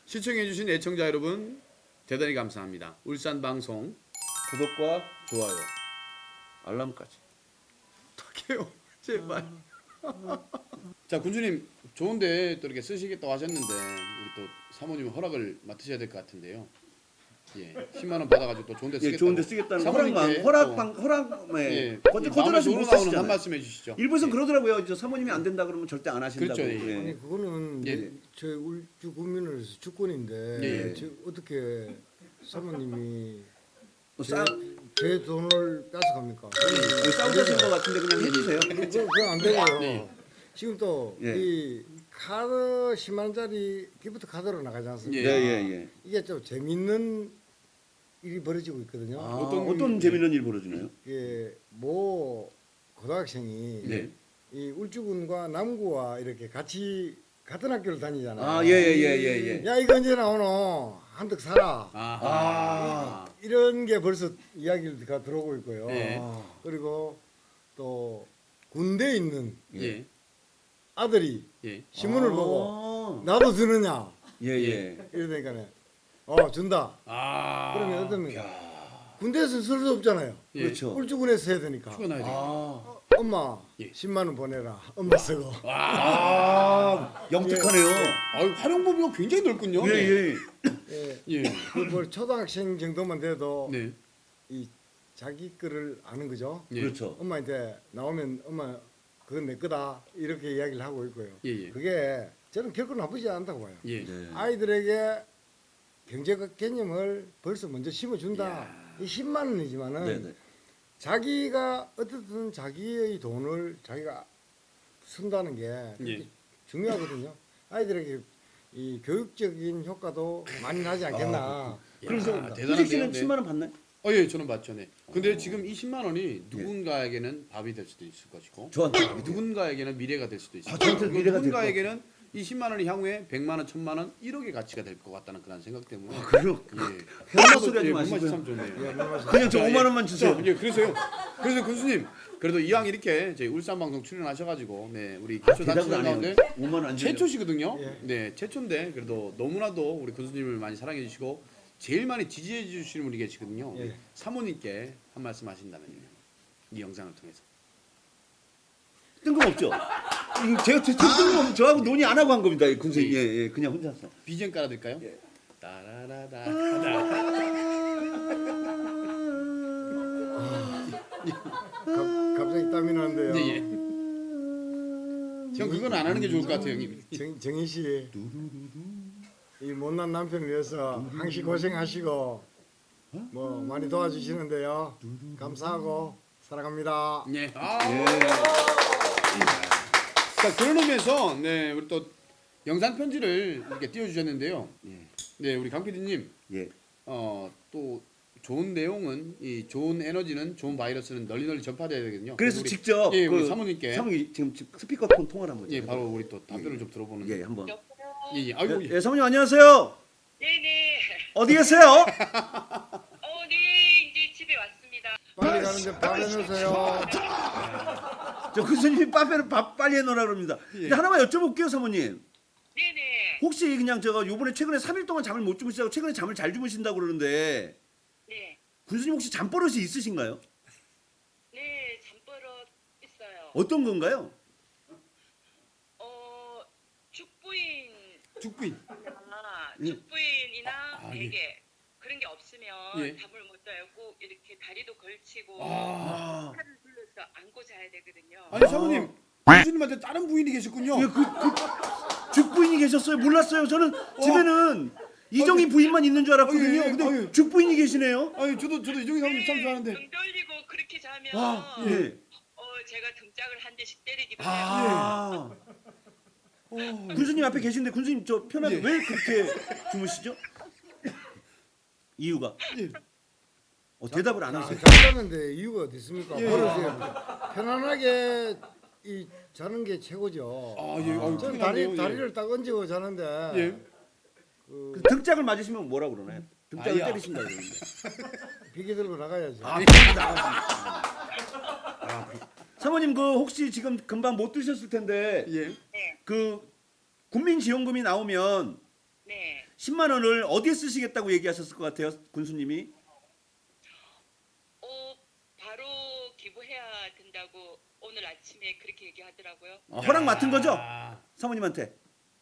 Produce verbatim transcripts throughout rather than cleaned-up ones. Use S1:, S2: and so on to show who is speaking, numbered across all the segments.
S1: 시청해주신 애청자 여러분 대단히 감사합니다. 울산 방송
S2: 구독과 좋아요, 알람까지.
S1: 부탁해요. 제발. 자 군주님 좋은데 또 이렇게 쓰시겠다고 하셨는데 우리 또 사모님 허락을 맡으셔야 될 것 같은데요. 예, 십만 원 받아가지고 또 좋은데 쓰겠다고.
S2: 예, 좋은데 쓰겠다는
S1: 사모님께
S2: 허락만,
S1: 또,
S2: 허락방, 허락에
S1: 예,
S2: 거절
S1: 마음에
S2: 거절하시면 못
S1: 우러나오는 한
S2: 쓰시잖아요.
S1: 말씀 해주시죠.
S2: 일부에서
S1: 예.
S2: 그러더라고요. 저 사모님이 안 된다 그러면 절대 안 하신다고.
S1: 그렇죠, 예.
S2: 예.
S3: 아니 그거는
S1: 예.
S3: 예. 저희 울주 국민으로서 주권인데
S1: 예.
S3: 저 어떻게 사모님이
S2: 뭐
S3: 제,
S2: 싸,
S3: 제 돈을 뺏어갑니까?
S2: 예, 싸우신 것 같은데 그냥 해주세요.
S3: 그거 그거 안 되고요.
S1: 네.
S3: 지금 또 이
S2: 예.
S3: 카드 십만 원짜리 기프트 카드로 나가지
S2: 예,
S3: 않습니까?
S2: 예, 예.
S3: 이게 좀 재밌는 일이 벌어지고 있거든요.
S2: 아,
S1: 어떤-
S2: 어떤, 재미있는 일 벌어지나요?
S3: 이게 모 고등학생이
S2: 네.
S3: 이 울주군과 남구와 이렇게 같이 같은 학교를 다니잖아요.
S2: 아, 예, 예, 예, 예, 예.
S3: 야 이거 언제 나오노? 한턱 사라.
S1: 아하.
S2: 아.
S3: 이런 게 벌써 이야기가 들어오고 있고요.
S1: 네.
S2: 아.
S3: 그리고 또 군대에 있는
S1: 예.
S3: 아들이
S1: 예.
S3: 신문을
S2: 아.
S3: 보고 나도 주느냐
S2: 예, 예.
S3: 이러니까는 어 준다.
S1: 아.
S3: 그러면 어떻습니까? 군대에서 쓸 수 없잖아요.
S1: 예.
S2: 그렇죠.
S3: 울주군에서 해야 되니까.
S1: 추가나야 돼.
S2: 아,
S3: 어, 엄마
S1: 예.
S3: 십만 원 보내라. 엄마 쓰고.
S2: 아, 영특하네요.
S1: 아유 활용 범위가 굉장히 넓군요.
S2: 예, 예.
S3: 예.
S1: 예.
S3: 그 뭐 초등학생 정도만 돼도
S1: 네.
S3: 이 자기 거를 아는 거죠.
S1: 예.
S2: 그렇죠.
S3: 엄마한테 나오면 엄마 그건 내 거다 이렇게 이야기를 하고 있고요.
S1: 예, 예.
S3: 그게 저는 결코 나쁘지 않다고 봐요.
S1: 예.
S2: 네.
S3: 아이들에게 경제적 개념을 벌써 먼저 심어준다. 이 십만 원이지만은
S2: 네, 네.
S3: 자기가 어떻든 자기의 돈을 자기가 쓴다는 게
S1: 예.
S3: 중요하거든요. 아이들에게 이 교육적인 효과도 많이 나지 않겠나.
S2: 그래서
S1: 야,
S2: 후식
S1: 대단한데요.
S2: 씨는
S1: 네.
S2: 십만 원 받나요?
S1: 어, 예, 저는 맞죠. 네. 근데 지금 이 십만 원이 누군가에게는 밥이 될 수도 있을 것이고,
S2: 저한테.
S1: 누군가에게는 미래가 될 수도 있을
S2: 아,
S1: 것이고,
S2: 저한테 미래가 될
S1: 누군가에게는 이 십만 원이 향후에 백만 원, 천만 원, 일억의 가치가 될 것 같다는 그런 생각 때문에.
S2: 아, 그래요?
S1: 예.
S2: 현마 소리 하지
S1: 예,
S2: 마시고요.
S1: 문맛이 참 좋네요.
S3: 예, 물론
S2: 그냥 저
S1: 자,
S2: 오만
S1: 예.
S2: 원만 주세요.
S1: 자, 예, 그래서요. 그래서 군수님, 그래도 이왕 이렇게 저희 울산 방송 출연하셔가지고, 네, 우리 기초
S2: 대답을
S1: 단체장
S2: 안
S1: 가운데
S2: 해요. 오만 원 안 주세요.
S1: 최초시거든요.
S3: 예.
S1: 네, 최초인데 그래도 너무나도 우리 군수님을 많이 사랑해 주시고 제일 많이 지지해 주시는 분이 계시거든요.
S3: 예.
S1: 사모님께 한 말씀 하신다면요. 이 영상을 통해서.
S2: 뜬금없죠? 이 제가 저- 저 뜬금없 저하고 논의 안 하고 한 겁니다. 이 군수님. 예, 예. 그냥 혼자서.
S1: 비전 깔아드릴까요?
S2: 예.
S1: 따라라다.
S3: 갑- 갑자기 땀이 나는데요.
S1: 예, 예. 형 그건 안 하는 게 좋을 것 같아요, 형님.
S3: 정, 정희 씨, 이 못난 남편을 위해서 항시 고생하시고 뭐 많이 도와주시는데요. 감사하고 사랑합니다.
S1: 예. 아.
S2: 예.
S1: 자 그런 의미에서 네 우리 또 영상 편지를 이렇게 띄워주셨는데요.
S2: 예.
S1: 네 우리 강 피디님
S2: 예.
S1: 어또 좋은 내용은 이 좋은 에너지는 좋은 바이러스는 널리 널리 전파돼야 되거든요.
S2: 그래서
S1: 우리,
S2: 직접
S1: 예, 우리
S2: 그
S1: 사모님께
S2: 사모님 지금 지금 스피커폰 통화를 한번
S1: 예 바로 우리 또 답변을 좀 들어보는
S2: 예, 한번.
S1: 예, 예. 아이고
S2: 예, 예, 사모님 안녕하세요.
S4: 네네.
S2: 어디 계세요?
S4: 어, 네. 이제 집에 왔습니다.
S3: 빨리 가는데 밥 해놓으세요.
S2: 저 군수님이 빠페를 밥 빨리 해놓으라 그럽니다.
S1: 예.
S2: 근데 하나만 여쭤볼게요, 사모님.
S4: 네네.
S2: 혹시 그냥 제가 요번에 최근에 삼 일 동안 잠을 못 주무시다고 최근에 잠을 잘 주무신다고 그러는데
S4: 네.
S2: 군수님 혹시 잠버릇이 있으신가요?
S4: 네, 잠버릇 있어요.
S2: 어떤 건가요?
S4: 어, 죽부인,
S1: 죽부인.
S4: 아,
S2: 예.
S4: 죽부인이나
S1: 아, 예.
S4: 베개 그런 게 없으면
S1: 예.
S4: 잠을 못 자요. 꼭 이렇게 다리도 걸치고
S1: 아.
S4: 팔을 둘러서 안고 자야 되거든요.
S1: 아니 사모님 군수님한테 다른 부인이 계셨군요.
S2: 예, 그, 그 죽부인이 계셨어요. 몰랐어요. 저는 집에는 이정희
S1: 아니,
S2: 부인만 있는 줄 알았거든요.
S1: 아니, 예,
S2: 근데
S1: 아니.
S2: 죽부인이 계시네요.
S1: 아니 저도 저도 이종희 사모님 참 좋아하는데.
S4: 등 돌리고 그렇게 자면
S2: 아, 예.
S4: 어, 제가 등짝을 한 대씩 때리기도 해요.
S2: 아. 군수님 앞에 계신데 군수님 저 편하게
S1: 예.
S2: 왜 그렇게 주무시죠? 이유가
S1: 예.
S2: 어, 대답을 안 하세요.
S3: 잠자는데 이유가 어디 있습니까?
S1: 예.
S3: 버릇이에요. 편안하게 이 자는 게 최고죠.
S1: 아 예. 아유,
S3: 저는
S1: 큰일
S3: 다리
S1: 났네요.
S3: 다리를 딱 얹고 자는데
S1: 예.
S3: 그
S2: 그 등짝을 맞으시면 뭐라 그러나요? 등짝을
S1: 아야.
S2: 때리신다 그러는데.
S3: 비계 들고 나가야죠.
S2: 아, 사모님 그 혹시 지금 금방 못 드셨을 텐데
S1: 예.
S4: 네.
S2: 그 국민지원금이 나오면
S4: 네.
S2: 십만 원을 어디에 쓰시겠다고 얘기하셨을 것 같아요, 군수님이?
S4: 어, 바로 기부해야 된다고 오늘 아침에 그렇게 얘기하더라고요.
S2: 아, 허락 맡은 거죠?
S1: 아,
S2: 사모님한테.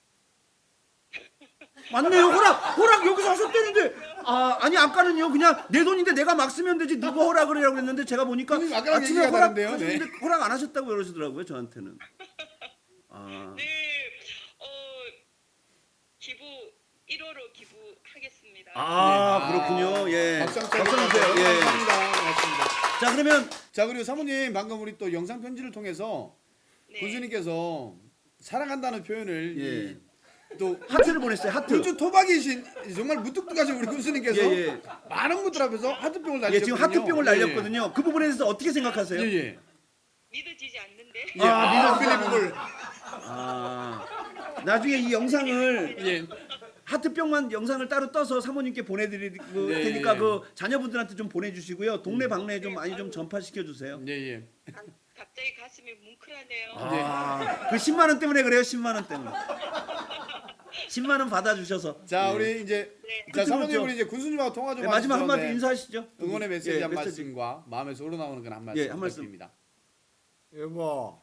S2: 맞네요. 허락 허락 여기서 하셨다는데. 아 아니 아까는요 그냥 내 돈인데 내가 막 쓰면 되지 누가 허락을 해라고 그랬는데 제가 보니까
S1: 선생님, 아까랑
S2: 아침에
S1: 얘기가
S2: 허락
S1: 다른데요?
S2: 하셨는데
S1: 네.
S2: 허락 안 하셨다고 그러시더라고요 저한테는. 아
S4: 네, 어, 기부 일호로 기부하겠습니다.
S2: 아,
S1: 네.
S2: 그렇군요. 예.
S1: 박수 한번
S2: 박수
S1: 쳐주세요.
S2: 주세요. 예.
S1: 감사합니다. 고맙습니다.
S2: 자 그러면
S1: 자, 그리고 사모님 방금 우리 또 영상 편지를 통해서
S4: 네.
S1: 군수님께서 사랑한다는 표현을
S2: 예.
S1: 이 또
S2: 하트를 보냈어요. 하트.
S1: 우주 토박이신 정말 무뚝뚝하신 우리 군수님께서
S2: 예, 예.
S1: 많은 분들 앞에서 하트병을
S2: 예,
S1: 날리셨거든요.
S2: 지금 하트병을 날렸거든요. 그 부분에 대해서 어떻게 생각하세요?
S1: 예, 예.
S4: 믿어지지 않는데.
S1: 예. 아, 빌리브글.
S2: 아 나중에 이 영상을
S1: 예.
S2: 하트병만 영상을 따로 떠서 사모님께 보내드릴
S1: 네,
S2: 테니까
S1: 예.
S2: 그 자녀분들한테 좀 보내주시고요. 동네 방네에 좀 많이 좀 전파시켜 주세요.
S1: 예, 예.
S4: 가- 갑자기 가슴이 뭉클하네요.
S2: 아, 그 십만 원 때문에 그래요. 십만 원 때문에. 십만 원 받아주셔서.
S1: 자,
S2: 예.
S1: 우리 이제
S4: 네.
S1: 자,
S2: 끝으로
S1: 사모님
S2: 저-
S1: 우리 이제 군수님하고 통화 좀
S2: 네, 마지막
S1: 하시죠.
S2: 한마디
S1: 네.
S2: 인사하시죠.
S1: 응원의 메시지
S2: 예,
S1: 한
S2: 메시지.
S1: 말씀과 마음에서 우러나오는 건 한 말씀
S2: 예, 한 말씀.
S1: 부탁드립니다.
S3: 여보,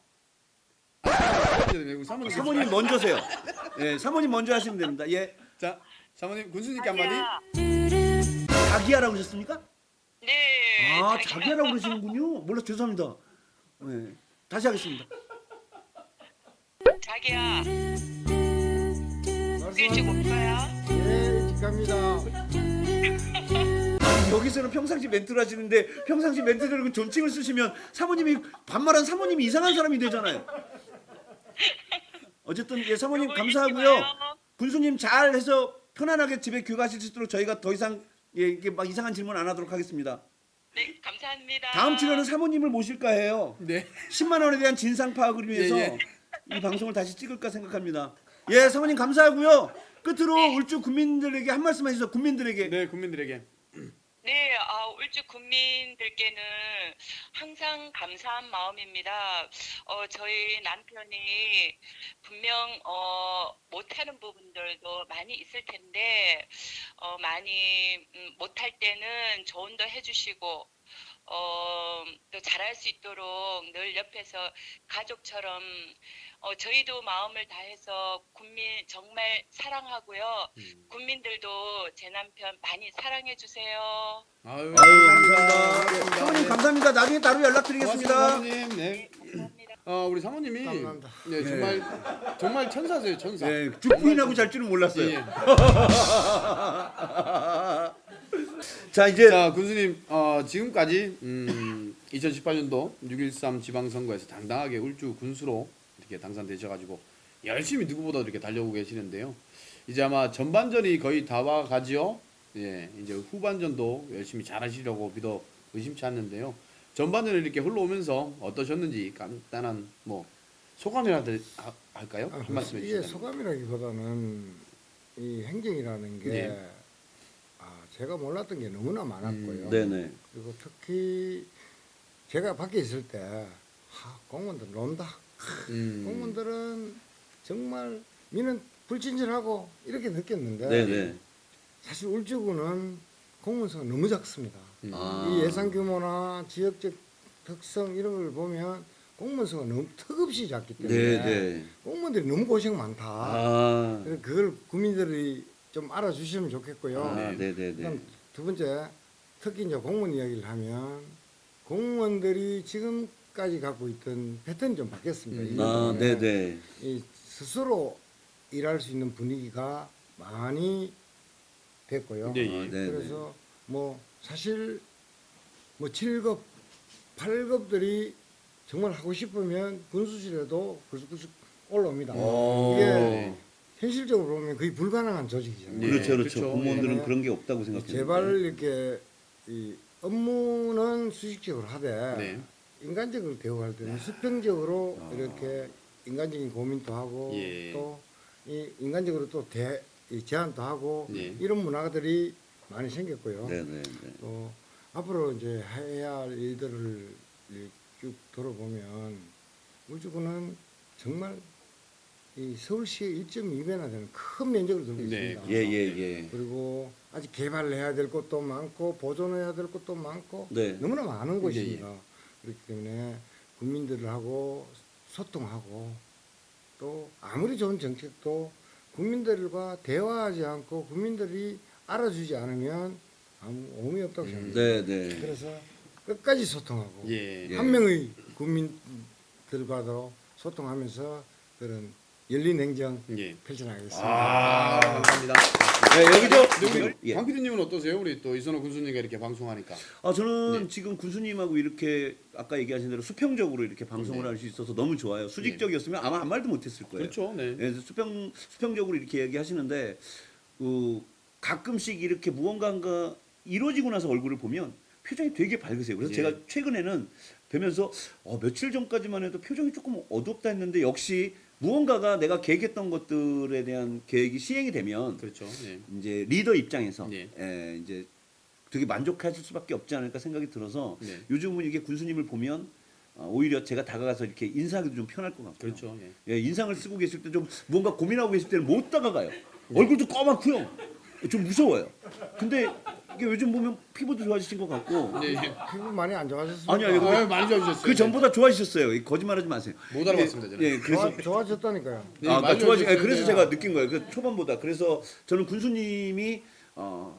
S1: 사모님,
S2: 사모님 먼저세요. 예, 사모님 먼저 하시면 됩니다. 예,
S1: 자, 사모님 군수님께 한마디.
S4: 자기야.
S2: 자기야라고 그러셨습니까?
S4: 네.
S2: 아,
S4: 자기야.
S2: 자기야라고 그러시는군요. 몰라 죄송합니다. 예, 다시 하겠습니다.
S4: 자기야. 일찍
S3: 말씀하세요.
S4: 올 거야?
S3: 예, 일찍 갑니다.
S2: 아니, 여기서는 평상시 멘트를 하시는데 평상시 멘트대로 존칭을 쓰시면 사모님이 반말한 사모님이 이상한 사람이 되잖아요. 어쨌든 예, 사모님
S4: 여보,
S2: 감사하고요.
S4: 일찍 와요.
S2: 군수님 잘 해서 편안하게 집에 귀가하실 수 있도록 저희가 더 이상 예, 이게 막 이상한 질문 안 하도록 하겠습니다.
S4: 네, 감사합니다.
S2: 다음 출연은 사모님을 모실까 해요.
S1: 네.
S2: 십만 원에 대한 진상 파악을 위해서
S1: 예,
S2: 이 방송을 다시 찍을까 생각합니다. 예, 사모님 감사하고요. 끝으로 울주 국민들에게 한 말씀 하시죠. 국민들에게.
S1: 네, 국민들에게.
S4: 네, 아, 울주 국민들께는 항상 감사한 마음입니다. 어, 저희 남편이 분명 어, 못하는 부분들도 많이 있을 텐데 어, 많이 음, 못할 때는 조언도 해주시고 어, 또 잘할 수 있도록 늘 옆에서 가족처럼 어, 저희도 마음을 다해서 국민 정말 사랑하고요.
S1: 음.
S4: 국민들도 제 남편 많이 사랑해 주세요.
S1: 아유,
S2: 아유, 감사합니다.
S1: 고맙습니다.
S2: 사모님
S1: 네.
S2: 감사합니다. 나중에 따로
S1: 고맙습니다,
S2: 연락드리겠습니다.
S1: 사모님. 네.
S4: 네, 감사합니다.
S1: 어, 우리 사모님이
S3: 감사합니다.
S1: 네, 정말 정말 천사세요, 천사.
S2: 네, 죽부인하고 잘 줄은 몰랐어요.
S1: 예.
S2: 자, 이제
S1: 자, 군수님, 어, 지금까지 음, 이천십팔 년도 육 일삼 지방선거에서 당당하게 울주 군수로 이렇게 당선되셔가지고 열심히 누구보다 이렇게 달려오고 계시는데요. 이제 아마 전반전이 거의 다 와가지요. 예, 이제 후반전도 열심히 잘하시려고 믿어 의심치 않는데요. 전반전을 이렇게 흘러오면서 어떠셨는지 간단한 뭐 소감이라도 하- 할까요?
S3: 아,
S1: 한 말씀
S3: 이게
S1: 해주시면.
S3: 소감이라기보다는 이 행정이라는 게
S1: 네.
S3: 아, 제가 몰랐던 게 너무나 많았고요.
S1: 음,
S2: 네네.
S3: 그리고 특히 제가 밖에 있을 때 하, 공무원들 논다.
S1: 음,
S3: 공무원들은 정말 미는 불친절하고 이렇게 느꼈는데
S2: 네네.
S3: 사실 울주군은 공무원 수가 너무 작습니다.
S1: 음.
S2: 아.
S3: 이 예산 규모나 지역적 특성 이런 걸 보면 공무원 수가 너무 턱없이 작기 때문에
S2: 네네.
S3: 공무원들이 너무 고생 많다.
S2: 아,
S3: 그래서 그걸 국민들이 좀 알아주시면 좋겠고요.
S2: 아,
S1: 네.
S2: 네네네.
S3: 그다음 두 번째, 특히 이제 공무원 이야기를 하면 공무원들이 지금까지 갖고 있던 패턴이 좀 바뀌었습니다.
S1: 음.
S3: 이
S2: 아,
S3: 때문에
S2: 네네.
S3: 이 스스로 일할 수 있는 분위기가 많이 됐고요.
S1: 네,
S2: 아,
S1: 예.
S2: 네네.
S3: 그래서 뭐 사실 뭐 칠 급, 팔 급들이 정말 하고 싶으면 군수실에도 불쑥불쑥 올라옵니다.
S2: 오.
S3: 이게 현실적으로 보면 거의 불가능한 조직이잖아요.
S1: 네,
S2: 그렇죠, 그렇죠.
S1: 그렇죠.
S2: 공무원들은
S3: 예.
S2: 그런 게 없다고 생각해요.
S3: 제발 이렇게 이 업무는 수직적으로 하되
S1: 네.
S3: 인간적으로 대우할 때는 수평적으로
S2: 아.
S3: 이렇게 인간적인 고민도 하고
S1: 예.
S3: 또 이 인간적으로 또 대, 이 제안도 하고
S1: 네.
S3: 이런 문화들이 많이 생겼고요.
S2: 네네네.
S3: 또 앞으로 이제 해야 할 일들을 쭉 돌아보면 울주군은 정말 이 서울시의 일 점 이 배나 되는 큰 면적을 들고
S1: 네.
S3: 있습니다.
S2: 예, 예, 예.
S3: 그리고 아직 개발해야 될 것도 많고 보존해야 될 것도 많고
S2: 네.
S3: 너무나 많은
S1: 예,
S3: 곳입니다. 그렇기 때문에 국민들하고 소통하고 또 아무리 좋은 정책도 국민들과 대화하지 않고 국민들이 알아주지 않으면 아무 의미 없다고 생각합니다.
S2: 네, 네.
S3: 그래서 끝까지 소통하고
S1: 예.
S2: 예.
S3: 한 명의 국민들과도 소통하면서 그런 열린 행정
S1: 예.
S3: 펼쳐나가겠습니다.
S1: 아, 감사합니다.
S2: 네, 여기 저
S1: 근데 우리
S2: 예.
S1: 강 피디님은 어떠세요? 우리 또 이선호 군수님과 이렇게 방송하니까.
S2: 아 저는
S1: 네.
S2: 지금 군수님하고 이렇게 아까 얘기하신 대로 수평적으로 이렇게 방송을
S1: 네.
S2: 할 수 있어서 너무 좋아요. 수직적이었으면 아마 한 말도 못했을 거예요.
S1: 그렇죠. 네.
S2: 예, 수평 수평적으로 이렇게 얘기하시는데 그 가끔씩 이렇게 무언가가 이루어지고 나서 얼굴을 보면 표정이 되게 밝으세요. 그래서
S1: 예.
S2: 제가 최근에는 뵈면서 어, 며칠 전까지만 해도 표정이 조금 어둡다 했는데 역시 무언가가 내가 계획했던 것들에 대한 계획이 시행이 되면
S1: 그렇죠. 예.
S2: 이제 리더 입장에서
S1: 예.
S2: 예, 이제 되게 만족하실 수밖에 없지 않을까 생각이 들어서
S1: 네.
S2: 요즘은 이게 군수님을 보면 어, 오히려 제가 다가가서 이렇게 인사하기도 좀 편할 것 같고요.
S1: 그렇죠. 예.
S2: 예, 인상을 쓰고 계실 때 좀 뭔가 고민하고 계실 때는 못 다가가요. 얼굴도 까맣고요. 좀 무서워요. 근데 이게 요즘 보면 피부도 좋아지신 것 같고
S1: 예. 예.
S3: 피부 많이 안 좋아졌습니까?
S2: 아니, 아니,
S1: 아, 많이 좋아지셨어요.
S2: 그 전보다 좋아지셨어요. 이 거짓말하지 마세요.
S1: 못 알아봤습니다, 저는.
S2: 예, 그래서
S3: 좋아, 좋아졌다니까요.
S1: 네,
S2: 아,
S1: 많이
S2: 그러니까 좋아지. 예,
S1: 좋아지셨는데요.
S2: 그래서 제가 느낀 거예요. 그 초반보다. 그래서 저는 군수님이 어,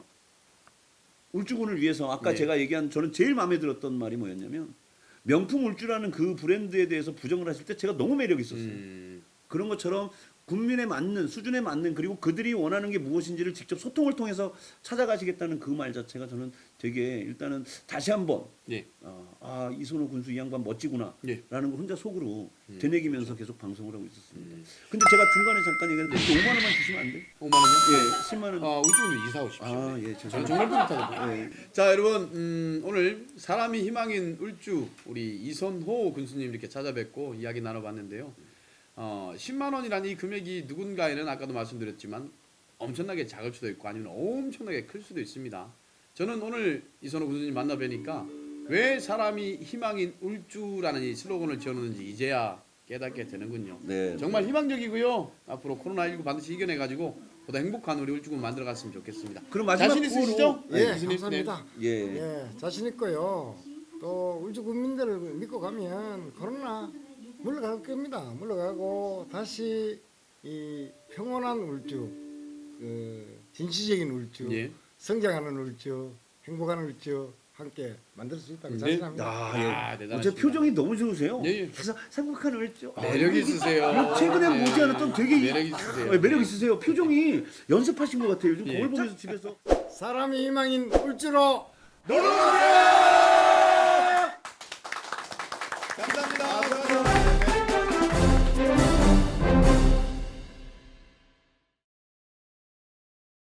S2: 울주군을 위해서 아까
S1: 네.
S2: 제가 얘기한 저는 제일 마음에 들었던 말이 뭐였냐면 명품 울주라는 그 브랜드에 대해서 부정을 하실 때 제가 너무 매력 있었어요.
S1: 음.
S2: 그런 것처럼 국민에 맞는 수준에 맞는 그리고 그들이 원하는 게 무엇인지를 직접 소통을 통해서 찾아가시겠다는 그 말 자체가 저는 되게 일단은 다시 한번
S1: 예.
S2: 어, 아 이선호 군수 이 양반 멋지구나
S1: 예.
S2: 라는 걸 혼자 속으로
S1: 음,
S2: 되뇌기면서 계속 방송을 하고 있었습니다.
S1: 음.
S2: 근데 제가 중간에 잠깐 얘기했는데 오만 원만 주시면 안 돼요?
S1: 오만 원요?
S2: 예, 십만 원.
S1: 아, 우주군도 이사 오십시오.
S2: 아, 예,
S1: 저는
S2: 죄송합니다.
S1: 정말 뿌듯하거든요.
S2: 예.
S1: 자, 여러분, 음, 오늘 사람이 희망인 울주 우리 이선호 군수님 이렇게 찾아뵙고 이야기 나눠봤는데요. 어, 십만 원이라는 이 금액이 누군가에는 아까도 말씀드렸지만 엄청나게 작을 수도 있고 아니면 엄청나게 클 수도 있습니다. 저는 오늘 이선호 군수님 만나 뵈니까 왜 사람이 희망인 울주라는 이 슬로건을 지었는지 이제야 깨닫게 되는군요.
S2: 네.
S1: 정말 희망적이고요. 앞으로 코로나십구 반드시 이겨내가지고 보다 행복한 우리 울주군 만들어갔으면 좋겠습니다.
S2: 그럼 마지막
S1: 자신 있으시죠?
S3: 예,
S1: 네, 교수님.
S3: 감사합니다.
S2: 예.
S3: 예, 자신 있고요. 또 울주 국민들을 믿고 가면 코로나 물러갈 겁니다. 물러가고 다시 이 평온한 울주, 그 진취적인 울주,
S1: 예.
S3: 성장하는 울주, 행복한 울주 함께 만들 수 있다고
S1: 네.
S3: 자신합니다.
S2: 야,
S1: 아,
S2: 예.
S1: 대단하십니다.
S2: 제 표정이 너무 좋으세요.
S1: 예, 예.
S2: 그래서 생각한 울죠.
S1: 매력 있으세요.
S2: 최근에
S1: 네.
S2: 보지 않았던 되게
S1: 매력 있으세요.
S2: 아, 매력 있으세요. 표정이 연습하신 것 같아요. 요즘
S1: 예.
S2: 거울 보면서 집에서.
S3: 사람이 희망인 울주로
S1: 감사합니다.